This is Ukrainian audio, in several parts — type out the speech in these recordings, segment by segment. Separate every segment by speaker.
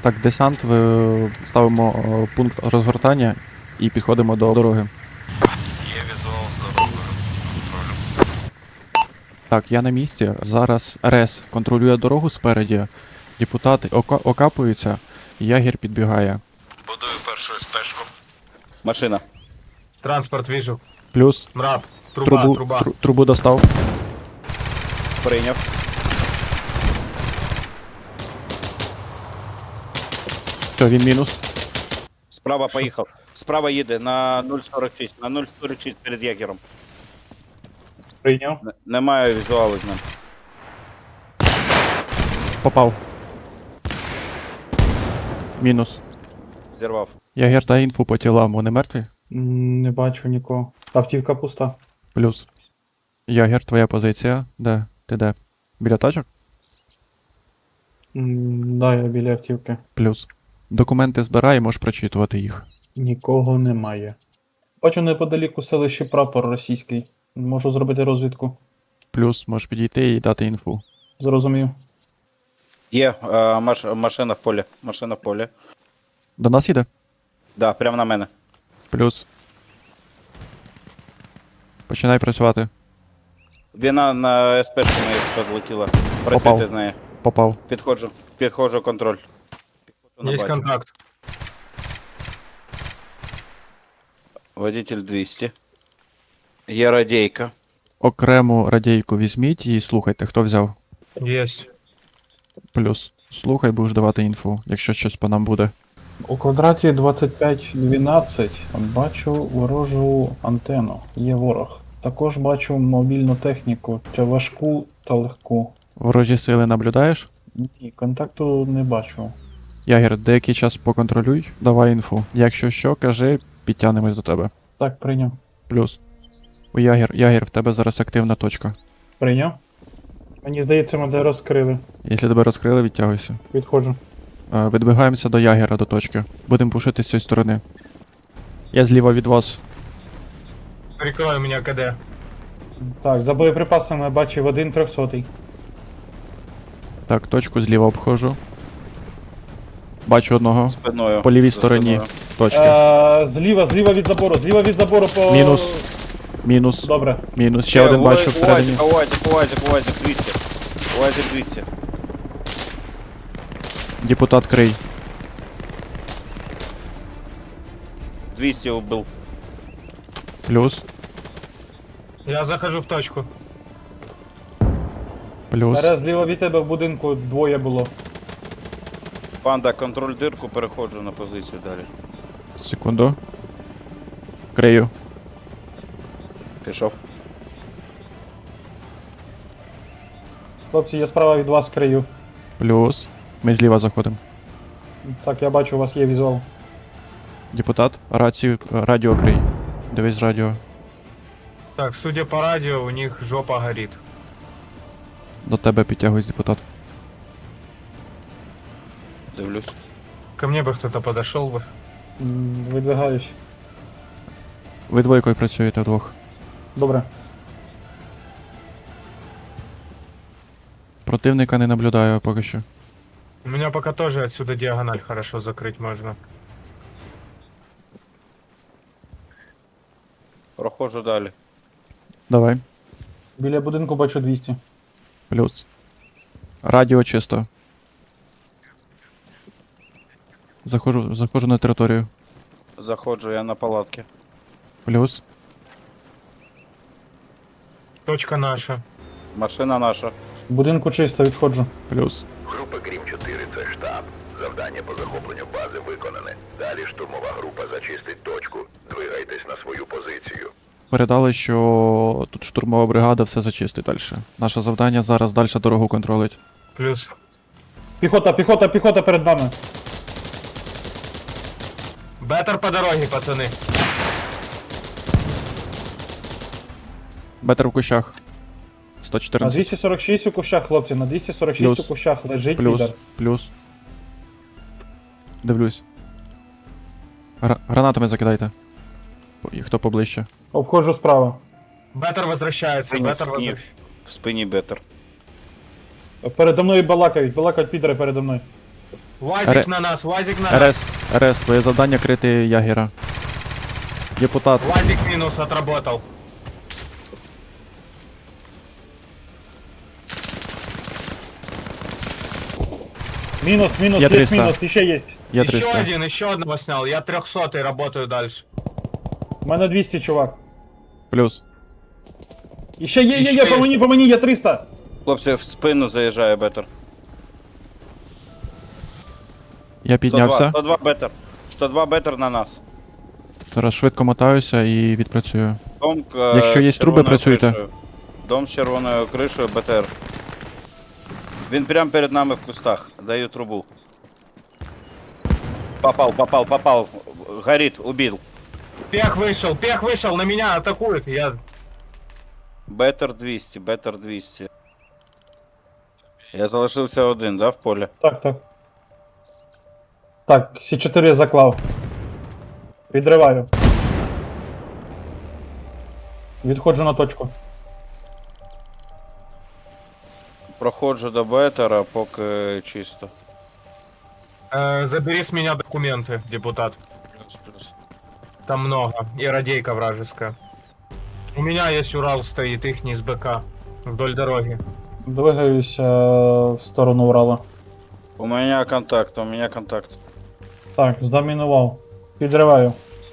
Speaker 1: Так, десант, ставимо пункт розгортання і підходимо до дороги.
Speaker 2: Є візуал з дорогою. Контролю.
Speaker 1: Так, я на місці. Зараз РЕС контролює дорогу спереді, депутати окапуються, ягір підбігає.
Speaker 2: Будую першу СПшку.
Speaker 3: Машина.
Speaker 4: Транспорт вижу.
Speaker 1: Плюс
Speaker 4: Мраб. Труба.
Speaker 1: трубу достав.
Speaker 3: Прийняв.
Speaker 1: Все, він мінус.
Speaker 3: Справа поїхав. Справа їде на 0,46. На 0,46 перед ягером.
Speaker 4: Прийняв.
Speaker 3: Немає візуалу з ним.
Speaker 1: Попав. Мінус.
Speaker 3: Зірвав.
Speaker 1: Ягір та інфу по тілам, вони мертві?
Speaker 5: Не бачу нікого. Автівка пуста.
Speaker 1: Плюс. Ягір, твоя позиція. Де? Ти де? Біля тачок?
Speaker 5: Да, я біля автівки.
Speaker 1: Плюс. Документи збирай, можеш прочитувати їх.
Speaker 5: Нікого немає. Бачу неподалік у селищі прапор російський. Можу зробити розвідку.
Speaker 1: Плюс, можеш підійти і дати інфу.
Speaker 5: Зрозумів.
Speaker 3: Є машина в полі. Машина в полі.
Speaker 1: До нас їде?
Speaker 3: Да, прямо на мене.
Speaker 1: Плюс. Починай працювати.
Speaker 3: Вона на СПшку мою підлетіла. Працюйте з нею.
Speaker 1: Попав.
Speaker 3: Підходжу контроль. Підходжу,
Speaker 4: Есть
Speaker 3: бачу.
Speaker 4: контакт.
Speaker 3: Водитель 200. Є радійка.
Speaker 1: Окрему радійку візьміть і слухайте, хто взяв.
Speaker 4: Есть.
Speaker 1: Плюс. Слухай, будеш давати інфу, якщо щось по нам буде.
Speaker 5: У квадраті 2512 бачу ворожу антенну. Є ворог. Також бачу мобільну техніку, чи важку та легку.
Speaker 1: Ворожі сили наблюдаєш?
Speaker 5: Ні, контакту не бачу.
Speaker 1: Ягір, деякий час поконтролюй, давай інфу. Якщо що, кажи, підтягнемось до тебе.
Speaker 5: Так, прийняв.
Speaker 1: Плюс. У Ягір, в тебе зараз активна точка.
Speaker 5: Прийняв. Мені здається, мене розкрили.
Speaker 1: Якщо тебе розкрили, відтягуйся.
Speaker 5: Відходжу.
Speaker 1: Відбігаємося до Ягера, до точки. Будемо пушити з цієї сторони. Я зліва від вас.
Speaker 4: Прикрой меня КД.
Speaker 5: Так, за боєприпасами бачив 1 300.
Speaker 1: Так, точку зліва обходжу. Бачу одного.
Speaker 3: Спиною.
Speaker 1: По лівій
Speaker 3: За
Speaker 1: стороні
Speaker 3: спиною.
Speaker 1: точки.
Speaker 5: Зліва від забору по...
Speaker 1: Мінус. Мінус.
Speaker 5: Добре.
Speaker 1: Мінус. Ще один бачу всередині.
Speaker 3: УАЗик 200. УАЗик 200.
Speaker 1: Депутат крий.
Speaker 3: 200 убил.
Speaker 1: Плюс.
Speaker 4: Я захожу в точку.
Speaker 1: Плюс.
Speaker 5: Зараз зліва від тебе в будинку двоє було.
Speaker 3: Панда, контроль дирку, переходжу на позицію далі.
Speaker 1: Секунду. Крию.
Speaker 3: Пішов.
Speaker 5: Хлопці, я справа від вас крию.
Speaker 1: Плюс. Ми зліва заходимо.
Speaker 5: Так, я бачу, у вас є візуал.
Speaker 1: Депутат. Радіо крий. Дивись радіо.
Speaker 4: Так, судя по радио, у них жопа горит.
Speaker 1: До тебе підтягуюсь, депутат.
Speaker 3: Дивлюсь.
Speaker 4: Ко мне бы кто-то подошел бы.
Speaker 5: Видвигаюсь.
Speaker 1: Ви двойкою працюєте вдвох.
Speaker 5: Добре.
Speaker 1: Противника не наблюдаю поки що.
Speaker 4: У меня пока тоже отсюда диагональ хорошо закрыть можно.
Speaker 3: Проходжу далі.
Speaker 1: Давай.
Speaker 5: Біля будинку бачу 200.
Speaker 1: Плюс. Радіо чисто. Заходжу на територію.
Speaker 3: Заходжу я на палатки.
Speaker 1: Плюс.
Speaker 4: Точка наша.
Speaker 3: Машина наша.
Speaker 5: В будинку чисто, відходжу.
Speaker 1: Плюс.
Speaker 6: Група Грім-4 – це штаб. Завдання по захопленню бази виконане. Далі штурмова група зачистить точку. Двигайтесь на свою позицію.
Speaker 1: Передали, що тут штурмова бригада все зачистить далі. Наше завдання зараз далі дорогу контролить.
Speaker 4: Плюс.
Speaker 5: Піхота перед нами.
Speaker 4: Беттер по дороге, пацаны.
Speaker 1: Бетер в кущах.
Speaker 5: На
Speaker 1: 114.
Speaker 5: 246 у кущах, хлопці, на 246
Speaker 1: Плюс.
Speaker 5: у кущах лежить
Speaker 1: Плюс.
Speaker 5: підар.
Speaker 1: Плюс. Дивлюсь. Гранатами закидайте. І хто поближче.
Speaker 5: Обходжу справа.
Speaker 4: Беттер возвращается,
Speaker 3: Спині,
Speaker 4: Беттер
Speaker 3: в спині.
Speaker 4: возвращается.
Speaker 3: В спині бетер.
Speaker 5: Передо мною балакають підари передо мною.
Speaker 4: УАЗик на нас, УАЗик на нас.
Speaker 1: РС, РС, твоє завдання крити ягера. Депутат,
Speaker 4: УАЗик минус отработал.
Speaker 5: Мінус, мінус,
Speaker 1: Я
Speaker 5: є
Speaker 1: 300.
Speaker 5: мінус, іще є.
Speaker 1: я
Speaker 4: Еще
Speaker 1: 300.
Speaker 4: один, еще одного снял. Я 300 работаю дальше.
Speaker 5: У мене 200, чувак.
Speaker 1: Плюс.
Speaker 5: Іще є,
Speaker 4: Іще є.
Speaker 5: по мені, є 300.
Speaker 3: Хлопці, в спину заїжджає бетер.
Speaker 1: Я
Speaker 3: 102,
Speaker 1: піднявся.
Speaker 3: 102 бетер. 102 бетер на нас.
Speaker 1: Зараз швидко мотаюся і відпрацюю.
Speaker 3: Дом,
Speaker 1: Якщо є
Speaker 3: з
Speaker 1: труби,
Speaker 3: червоною
Speaker 1: працюйте.
Speaker 3: кришею. Дом з червоною кришею, БТР. Він прямо перед нами в кустах. Даю трубу. Попал. Горит, убил.
Speaker 4: Пех вышел, на меня атакует. Я...
Speaker 3: Бетер 200, бетер 200. Я залишився один, да, в полі?
Speaker 5: Так, так. Так, С4 заклав. Відриваю. Відходжу на точку.
Speaker 3: Проходжу до бетера, поки чисто.
Speaker 4: Забери с меня документы, депутат.
Speaker 3: Плюс.
Speaker 4: Там много. И радейка вражеская. У меня есть Урал стоит, их не с БК. Вдоль дороги.
Speaker 5: Двигаюся в сторону Урала.
Speaker 3: У мене контакт.
Speaker 5: Так, здомінував. Підриваю.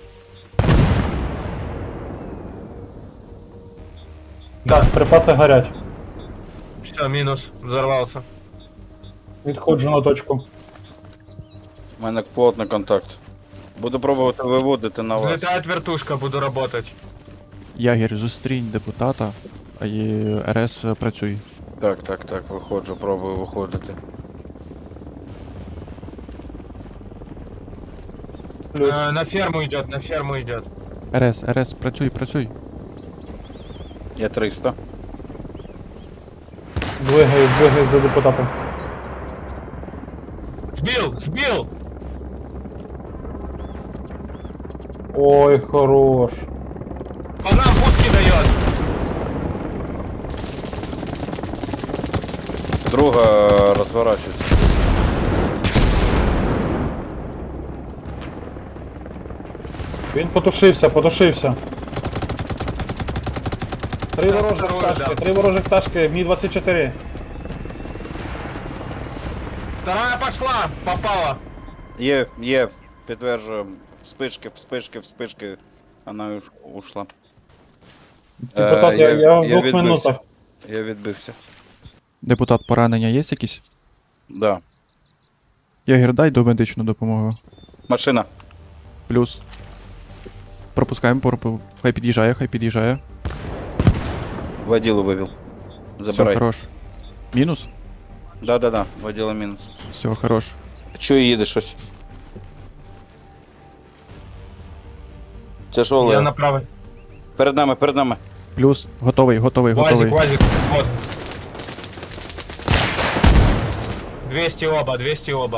Speaker 5: Так, припаси горять.
Speaker 4: Все, минус. Взорвался.
Speaker 5: Відходжу на точку.
Speaker 3: У мене плотний контакт. Буду пробувати виводити на вас.
Speaker 4: Взлетает вертушка, буду работать.
Speaker 1: Ягер, зустрінь депутата, а і РС працюй.
Speaker 3: Так, виходжу, пробую виходити.
Speaker 5: Плюс.
Speaker 4: На ферму идет.
Speaker 1: РС, працюй.
Speaker 3: Я 300.
Speaker 5: Двигаюсь до депутата.
Speaker 4: Сбил!
Speaker 5: Ой, хорош.
Speaker 4: По нам пуски дает.
Speaker 3: Друга розворачується.
Speaker 5: Він потушився. Три
Speaker 4: Я
Speaker 5: ворожих
Speaker 4: вторую
Speaker 5: пташки,
Speaker 4: дам.
Speaker 5: 3 ворожих пташки, Мі-24.
Speaker 4: Вторая пошла, попала.
Speaker 3: Є, підтверджую. Вспишки. Вона ушла.
Speaker 5: Депутат, я в 2 минутах.
Speaker 3: Я відбився.
Speaker 1: Депутат, поранення є якісь?
Speaker 3: Да.
Speaker 1: Ягер, дай домедичну допомогу.
Speaker 3: Машина.
Speaker 1: Плюс. Пропускаємо, хай під'їжджає.
Speaker 3: Водилу вивів.
Speaker 1: Все,
Speaker 3: Забирай.
Speaker 1: хорош. Мінус?
Speaker 3: Да, водила мінус.
Speaker 1: Все, хорош.
Speaker 3: Чого їде щось? Тяжеле.
Speaker 4: Я направо.
Speaker 3: Перед нами.
Speaker 1: Плюс, готовий.
Speaker 4: УАЗик, вот. 200 оба.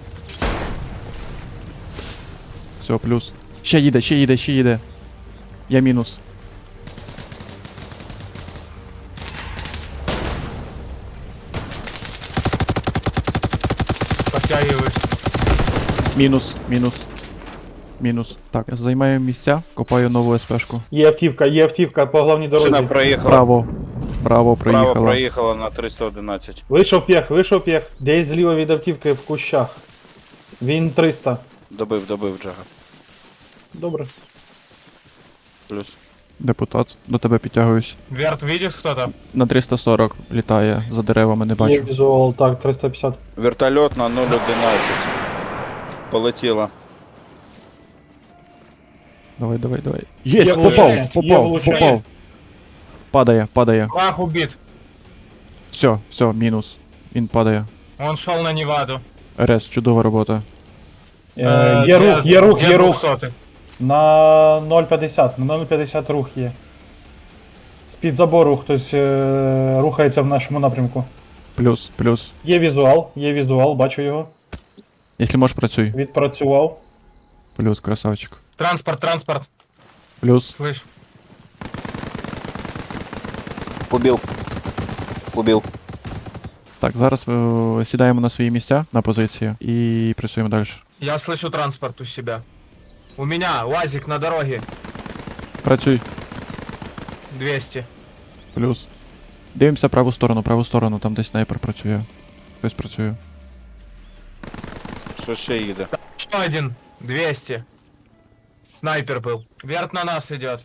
Speaker 1: Все, плюс. Ще їде. Я мінус.
Speaker 4: Подтягиваюсь.
Speaker 1: Мінус. Так, займаю місця, копаю нову СПшку.
Speaker 5: Є автівка по головній
Speaker 3: Машина
Speaker 5: дорозі.
Speaker 3: проїхала.
Speaker 1: Право
Speaker 3: Право
Speaker 1: проїхала.
Speaker 3: проїхала на 311.
Speaker 5: Вийшов п'єх. Десь зліва від автівки в кущах. Він 300.
Speaker 3: Добив Джага.
Speaker 5: Добре.
Speaker 3: Плюс.
Speaker 1: Депутат, до тебе підтягуюсь.
Speaker 4: Верт, видишь кто-то?
Speaker 1: На 340 літає, за деревами не
Speaker 5: Є
Speaker 1: бачу.
Speaker 5: візуал, так, 350.
Speaker 3: Вертольот на 011. Полетіла.
Speaker 1: Давай. Єсть,
Speaker 5: Є влучання.
Speaker 1: попав. Падає.
Speaker 4: Лах убит.
Speaker 1: Все, мінус. Він падає.
Speaker 4: Он шел на Неваду.
Speaker 1: РС, чудова робота.
Speaker 5: Є рух.
Speaker 4: 200.
Speaker 5: На 0,50. На 0,50 рух є. З-під забору хтось рухається в нашому напрямку.
Speaker 1: Плюс.
Speaker 5: Є візуал, бачу його.
Speaker 1: Якщо можеш, працюй.
Speaker 5: Відпрацював.
Speaker 1: Плюс, красавчик.
Speaker 4: Транспорт.
Speaker 1: Плюс.
Speaker 4: Слышь.
Speaker 3: Убил.
Speaker 1: Так, зараз сідаємо на свої місця, на позиції і працюємо далі.
Speaker 4: Я слышу транспорт у себя. У меня УАЗик на дороге.
Speaker 1: Працюй.
Speaker 4: 200.
Speaker 1: Плюс. Дивимося праву сторону, там десь снайпер працює. Хтось працює.
Speaker 3: Що ще їде?
Speaker 4: Еще один. 200. Снайпер был. Верт на нас идет.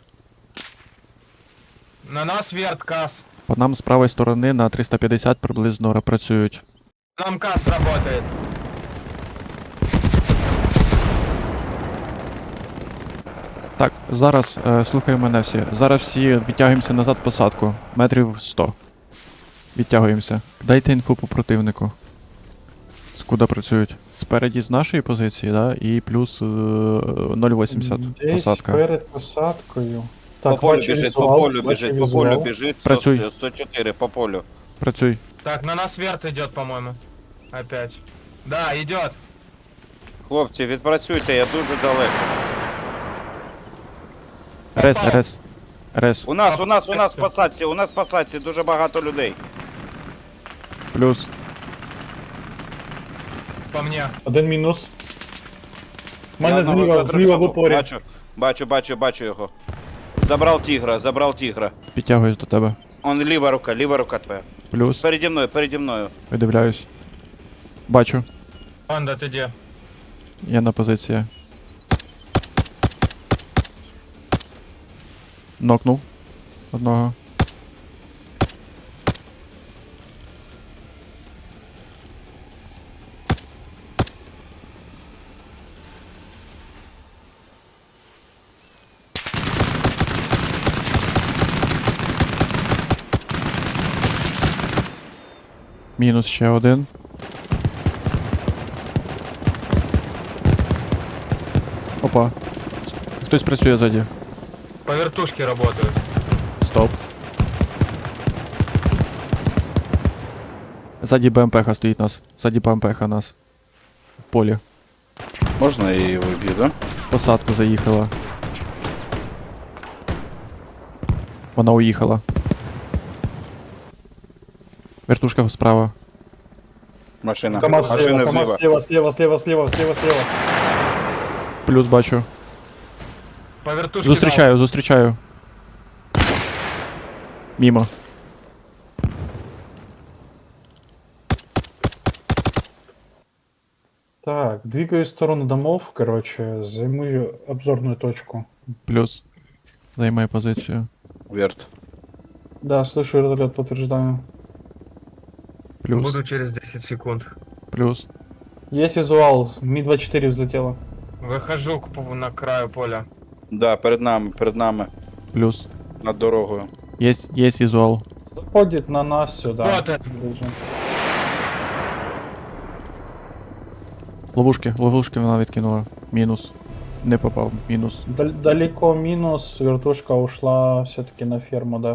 Speaker 4: На нас верт касс.
Speaker 1: По нам з правої сторони на 350 приблизно працюють.
Speaker 4: Нам касс работает.
Speaker 1: Так, зараз слухай мене всі. Зараз всі відтягуємося назад в посадку. Метрів 100. Відтягуємося. Дайте інфу по противнику. Скуда працюють? Спереді з нашої позиції, да? І плюс 0,80
Speaker 5: Десь
Speaker 1: посадка.
Speaker 5: перед посадкою.
Speaker 3: По
Speaker 5: Так,
Speaker 3: полю
Speaker 5: бачу
Speaker 3: біжить,
Speaker 5: візуал,
Speaker 3: по полю
Speaker 5: бачу
Speaker 3: біжить, по
Speaker 5: візуал.
Speaker 3: полю біжить.
Speaker 1: Працюй.
Speaker 3: 104 по полю.
Speaker 1: Працюй.
Speaker 4: Так, на нас верт идет, по-моему. Опять. Да, идет.
Speaker 3: Хлопці, відпрацюйте, я дуже далеко.
Speaker 1: Рес, рес. Рес.
Speaker 3: У нас в посадці дуже багато людей.
Speaker 1: Плюс.
Speaker 4: По мне.
Speaker 5: Один мінус. У
Speaker 3: Я
Speaker 5: мене
Speaker 3: одного
Speaker 5: зліва в
Speaker 3: задрисав.
Speaker 5: упорі.
Speaker 3: Бачу його. Забрав тігра.
Speaker 1: Підтягуюсь до тебе.
Speaker 3: Он ліва рука твоя.
Speaker 1: Плюс.
Speaker 3: Переді мною.
Speaker 1: Видивляюсь. Бачу.
Speaker 4: Панда, ты где?
Speaker 1: Я на позиції. Нокнув. Одного. Мінус ще один. Опа. Хтось працює ззаді.
Speaker 4: По вертушке работают.
Speaker 1: Стоп. Ззаді БМП-ха стоїть нас. Ззаді БМП-ха нас. В полі.
Speaker 3: Можна я її виб'ю, да?
Speaker 1: В посадку заїхала. Вона уїхала. Вертушка справа.
Speaker 3: Машина.
Speaker 5: КамАЗ
Speaker 3: Машина
Speaker 5: слева,
Speaker 3: зліва.
Speaker 5: слева.
Speaker 1: Плюс бачу.
Speaker 4: По вертушке
Speaker 1: Зустрічаю. Мімо.
Speaker 5: Так, двигаюсь в сторону домов, короче, займу обзорную точку.
Speaker 1: Плюс. Займає позицію.
Speaker 3: Верт.
Speaker 5: Да, слышу вертолет, подтверждаю.
Speaker 1: Плюс.
Speaker 4: Буду через 10 секунд.
Speaker 1: Плюс.
Speaker 5: Есть визуал, Ми-24 взлетела.
Speaker 4: Выхожу на краю поля.
Speaker 3: Да, перед нами.
Speaker 1: Плюс.
Speaker 3: Над дорогою.
Speaker 1: Есть візуал.
Speaker 5: Заходит на нас сюда.
Speaker 4: Вот это.
Speaker 5: Ближе.
Speaker 1: Ловушки вона відкинула. Мінус. Не попав. Мінус.
Speaker 5: Далеко минус, вертушка ушла все-таки на ферму, да.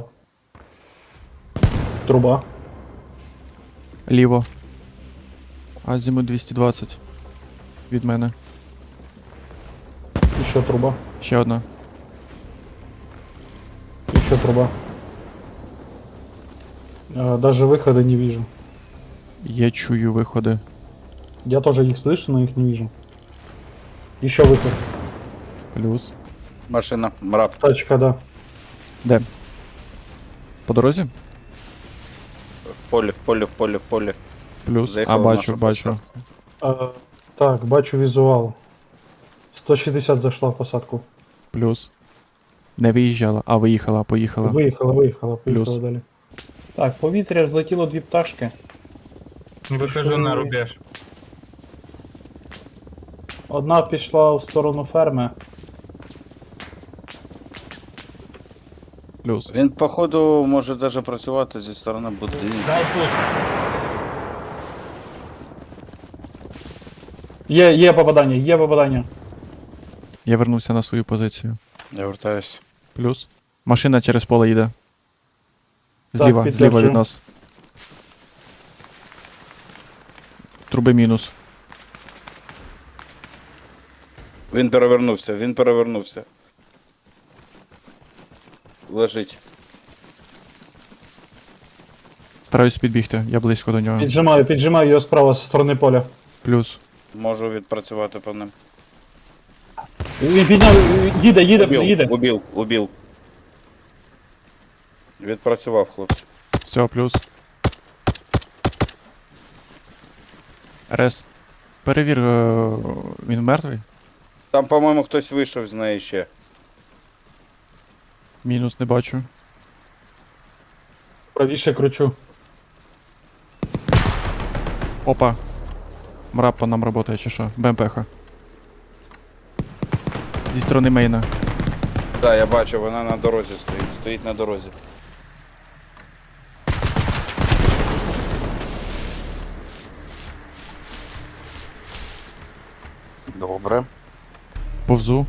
Speaker 5: Труба.
Speaker 1: Ліво. Азімут 220. Від мене.
Speaker 5: Еще труба.
Speaker 1: Ще одна.
Speaker 5: Еще труба. Даже выхода не вижу.
Speaker 1: Я чую виходи.
Speaker 5: Я тоже их слышу, но их не вижу. Еще выход.
Speaker 1: Плюс.
Speaker 3: Машина. Мрап.
Speaker 5: Тачка, да.
Speaker 1: Де? По дорозі?
Speaker 3: В полі.
Speaker 1: Плюс.
Speaker 3: Заїхала
Speaker 1: А,
Speaker 3: в
Speaker 1: бачу,
Speaker 3: нашу
Speaker 1: бачу.
Speaker 3: посадку.
Speaker 5: Так, бачу визуал. 160 зашла в посадку.
Speaker 1: Плюс. Не виїжджала, а виїхала, поїхала.
Speaker 5: Поїхала
Speaker 1: Плюс.
Speaker 5: далі. Так, в повітря злетіло дві пташки.
Speaker 4: Выхожу на рубеж.
Speaker 5: Одна пішла в сторону ферми.
Speaker 1: Плюс.
Speaker 3: Він, походу, може даже працювати зі сторони будинку.
Speaker 4: Дал пуск.
Speaker 5: Є попадання.
Speaker 1: Я вернувся на свою позицію.
Speaker 3: Я вертаюсь.
Speaker 1: Плюс. Машина через поле їде.
Speaker 5: Так,
Speaker 1: Зліва
Speaker 5: підтверджую.
Speaker 1: від нас. Труби мінус.
Speaker 3: Він перевернувся. Лежить.
Speaker 1: Стараюсь підбігти, я близько до нього.
Speaker 5: Піджимаю його справа з сторони поля.
Speaker 1: Плюс.
Speaker 3: Можу відпрацювати по ним.
Speaker 5: Він підняв, їде.
Speaker 3: Убив. Відпрацював, хлопці.
Speaker 1: Все, плюс. Рес. Перевір, він мертвий?
Speaker 3: Там, по-моєму, хтось вийшов з неї ще.
Speaker 1: Мінус не бачу.
Speaker 5: Правіше кручу.
Speaker 1: Опа. Мрап по нам работає чи що? БМПха. Зі сторони мейна.
Speaker 3: Так, я бачу, вона на дорозі стоїть. Стоїть на дорозі. Добре.
Speaker 1: Повзу.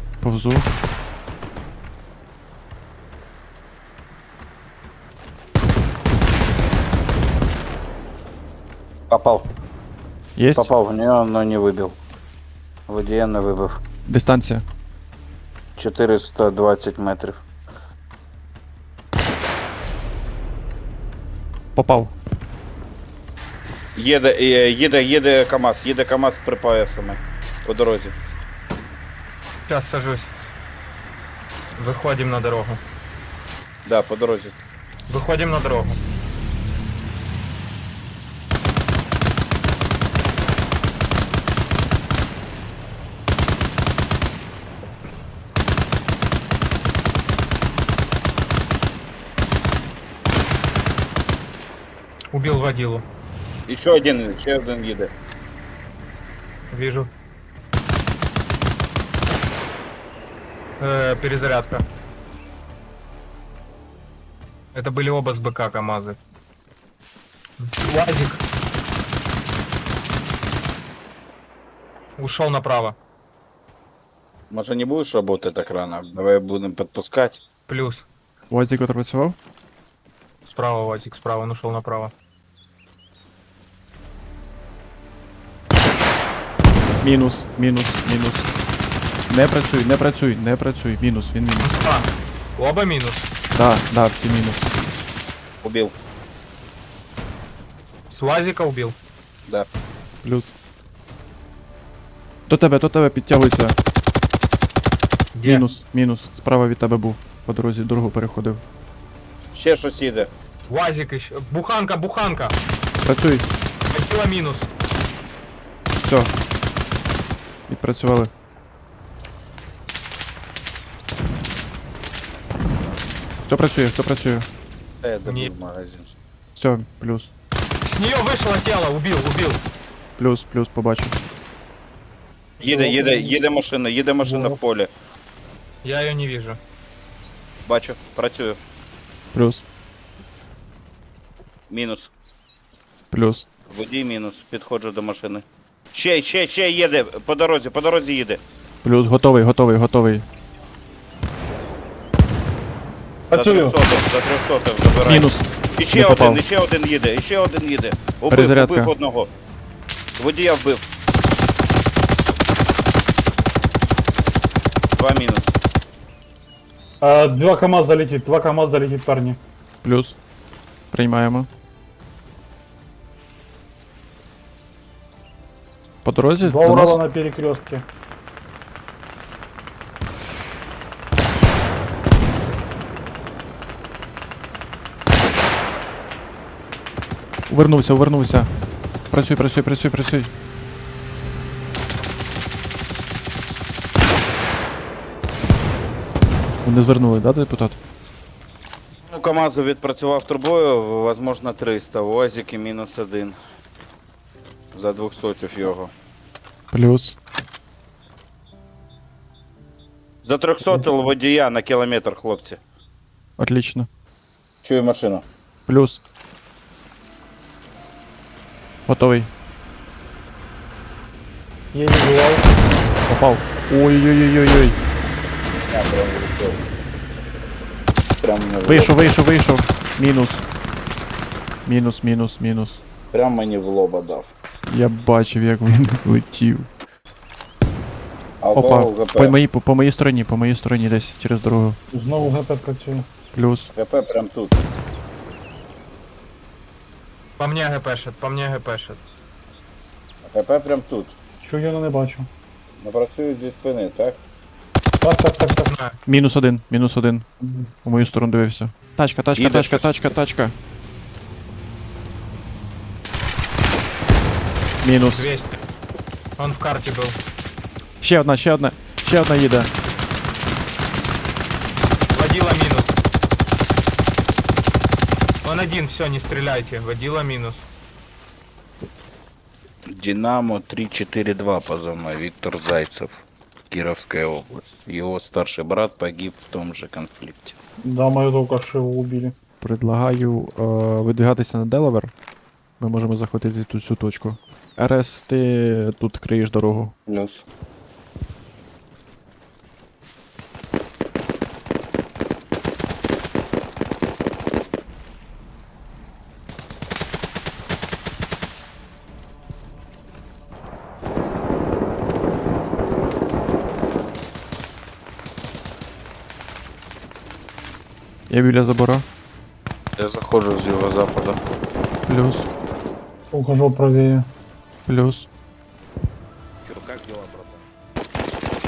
Speaker 3: Попав.
Speaker 1: Єсть?
Speaker 3: Попав в нього, но не вибив. Водія не вибив.
Speaker 1: Дистанція.
Speaker 3: 420 метрів.
Speaker 1: Попав.
Speaker 3: Їде КамАЗ, їде КамАЗ з припаясами по дорозі.
Speaker 4: Сейчас сажусь. Выходим на дорогу.
Speaker 3: Да, по дорозі.
Speaker 4: Выходим на дорогу. Убил водилу.
Speaker 3: І ще один їде.
Speaker 4: Вижу. Перезарядка. Это были оба с БК КамАЗы. УАЗик. Ушел направо.
Speaker 3: Може не будеш працювати так рано? Давай будемо підпускати.
Speaker 4: Плюс.
Speaker 1: Уазик відпрацював?
Speaker 4: Справа УАЗик, справа, он ушел направо.
Speaker 1: Мінус. Не працюй. Мінус, він мінус.
Speaker 4: А, оба минус.
Speaker 1: Да, всі мінус.
Speaker 3: Убив.
Speaker 4: С УАЗика убил.
Speaker 3: Да.
Speaker 1: Плюс. До тебе підтягується.
Speaker 4: Где?
Speaker 1: Мінус. Справа від тебе був. По дорозі дорогу переходив.
Speaker 3: Ще щось їде.
Speaker 4: УАЗик еще. Буханка.
Speaker 1: Працюй.
Speaker 4: Водила минус.
Speaker 1: Все. Відпрацювали. Хто працює?
Speaker 3: Я добив
Speaker 4: Ні.
Speaker 3: магазин.
Speaker 1: Все, плюс.
Speaker 4: С нее вышло тело, убил.
Speaker 1: Плюс, побачив.
Speaker 3: Їде машина в полі.
Speaker 4: Я ее не вижу.
Speaker 3: Бачу, працюю.
Speaker 1: Плюс.
Speaker 3: Мінус.
Speaker 1: Плюс.
Speaker 3: Водій мінус. Підходжу до машини. Ще їде. По дорозі їде.
Speaker 1: Плюс, готовий.
Speaker 5: Працюю.
Speaker 3: За 300 забираю.
Speaker 1: Мінус.
Speaker 3: І
Speaker 1: Не попав.
Speaker 3: ще один їде.
Speaker 1: Перезарядка.
Speaker 3: Убив одного. Водія вбив. 2 мінус.
Speaker 5: Два КамАЗ залетит, парни.
Speaker 1: Плюс. Приймаємо. По дорозі?
Speaker 5: Два
Speaker 1: До
Speaker 5: Урала
Speaker 1: нас?
Speaker 5: на перекрестке.
Speaker 1: Увернувся. Працюй. Вони звернули, да, депутат?
Speaker 3: Ну, КамАЗу відпрацював трубою, возможно 300. УАЗики мінус 1. За 200 його.
Speaker 1: Плюс.
Speaker 3: За 300 водія на кілометр, хлопці.
Speaker 1: Отлично.
Speaker 3: Чую машину.
Speaker 1: Плюс. Готовий.
Speaker 5: Я не бывал.
Speaker 1: Попав. Ой-ой-ой-ой-ой.
Speaker 3: Я прям влетів. Прям мені
Speaker 1: Вийшов. Мінус.
Speaker 3: Прям мені в лоба дав.
Speaker 1: Я бачив, як він летів.
Speaker 3: А у
Speaker 1: Опа.
Speaker 3: кого ГП?
Speaker 1: По моїй стороні десь через дорогу.
Speaker 5: Знову ГП працює.
Speaker 1: Плюс.
Speaker 3: ГП прям тут.
Speaker 4: По мне гпшит, по мне гпшит.
Speaker 3: ХП прям тут.
Speaker 5: Чую, я не бачу.
Speaker 3: Не працюють зі спини, так?
Speaker 5: Так.
Speaker 4: Знаю.
Speaker 1: Мінус один, мінус один. У мою сторону дивився. Тачка, тачка,
Speaker 3: Їде
Speaker 1: тачка,
Speaker 3: щось.
Speaker 1: тачка, тачка. Мінус.
Speaker 4: 200. Он в карте был.
Speaker 1: Ще одна, ще одна. Ще одна їде.
Speaker 4: Водила минус. Он один, все, не стреляйте. Водила минус.
Speaker 3: Динамо 342 позывной, Виктор Зайцев, Кировская область. Его старший брат погиб в том же конфликте.
Speaker 5: Да, мою только что его убили.
Speaker 1: Предлагаю видвигатися на Делавер. Ми можемо захватити тут цю точку. РС, ти тут криєш дорогу.
Speaker 3: Плюс.
Speaker 1: Я біля забора.
Speaker 3: Я захожу с юго-запада.
Speaker 1: Плюс,
Speaker 5: Ухожу правее.
Speaker 1: плюс.
Speaker 3: Чё, как дела, братан?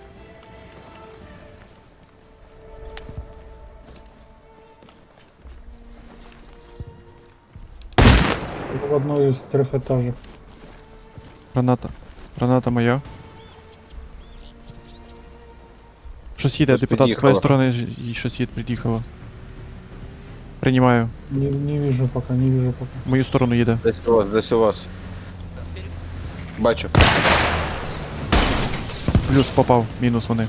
Speaker 5: В одной из трехэтажек.
Speaker 1: Граната. Граната моя. Щось їде,
Speaker 3: Щось
Speaker 1: депутат з твоєї
Speaker 3: під'їхало.
Speaker 1: сторони і щось їде, під'їхало. Приймаю.
Speaker 5: Не вижу пока, не вижу пока.
Speaker 1: В мою сторону їде.
Speaker 3: Десь у вас. Бачу.
Speaker 1: Плюс попав, мінус вони.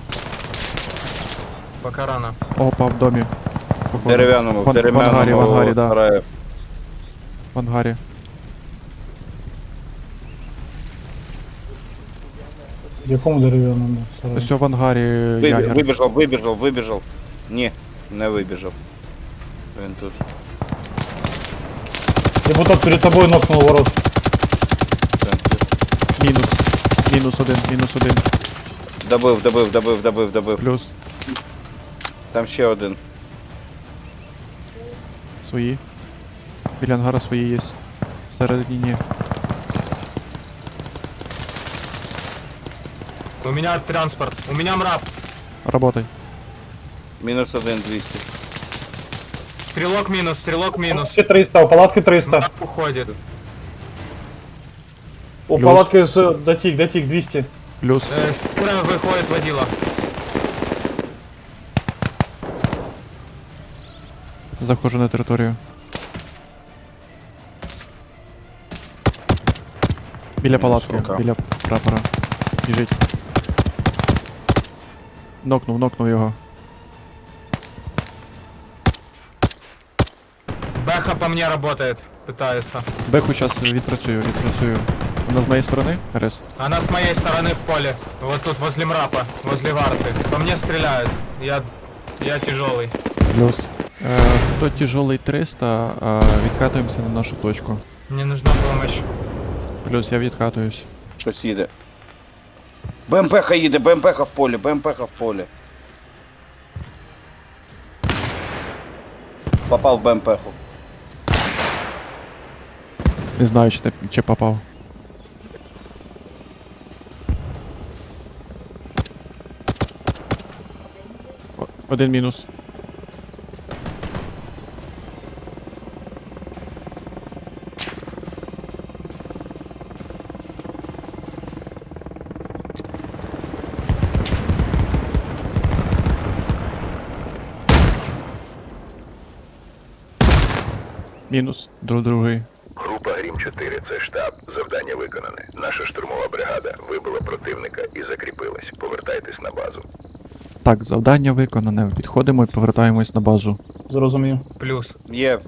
Speaker 4: Пока рано.
Speaker 1: Опа, в домі. Походу.
Speaker 3: В дерев'яному, в
Speaker 1: В ангарі, в ангарі, да.
Speaker 3: сараї.
Speaker 1: В ангарі.
Speaker 5: В якому дерев'яному сараї?
Speaker 1: Ось в ангарі ягер.
Speaker 3: Вибіжав. Ні, не вибіжав. Він тут.
Speaker 5: Депутат перед тобой нокнул ворот.
Speaker 3: Він тут.
Speaker 1: Мінус. Мінус один, мінус один.
Speaker 3: Добив.
Speaker 1: Плюс.
Speaker 3: Там ще один.
Speaker 1: Свої. Біля ангара свої є. Всередині ні.
Speaker 4: У меня транспорт. У меня мрап.
Speaker 1: Работай.
Speaker 3: Мінус один 200.
Speaker 4: Стрелок минус, стрелок минус.
Speaker 5: Палатки 300, у палатки 300.
Speaker 4: Мрап уходит.
Speaker 5: У
Speaker 1: Плюс.
Speaker 5: палатки с дотик 200.
Speaker 1: Плюс.
Speaker 4: Справа выходит водила.
Speaker 1: Заходжу на територію. Біля палатки,
Speaker 3: Сука.
Speaker 1: біля прапора. Біжить. Нокнув його.
Speaker 4: Бэха по мне работает. Пытается.
Speaker 1: Беху зараз відпрацюю. Вона з моєї сторони? РС.
Speaker 4: Она с моей стороны в поле. Вот тут возле мрапа. Возле варты. По мне стреляют. Я тяжелый.
Speaker 1: Плюс. Хто тяжелий 300, відкатуємося на нашу точку.
Speaker 4: Мне нужна помощь.
Speaker 1: Плюс я відкатуюсь.
Speaker 3: Щось їде. БМП-ха їде, БМП-ха в полі. Попав в БМП-ху.
Speaker 1: Не знаю, чи попав. Один мінус. Мінус. Другий.
Speaker 6: Група Грім-4 – це штаб. Завдання виконане. Наша штурмова бригада вибила противника і закріпилась. Повертайтесь на базу.
Speaker 1: Так, завдання виконане. Підходимо і повертаємось на базу.
Speaker 5: Зрозумів.
Speaker 4: Плюс.
Speaker 3: Є,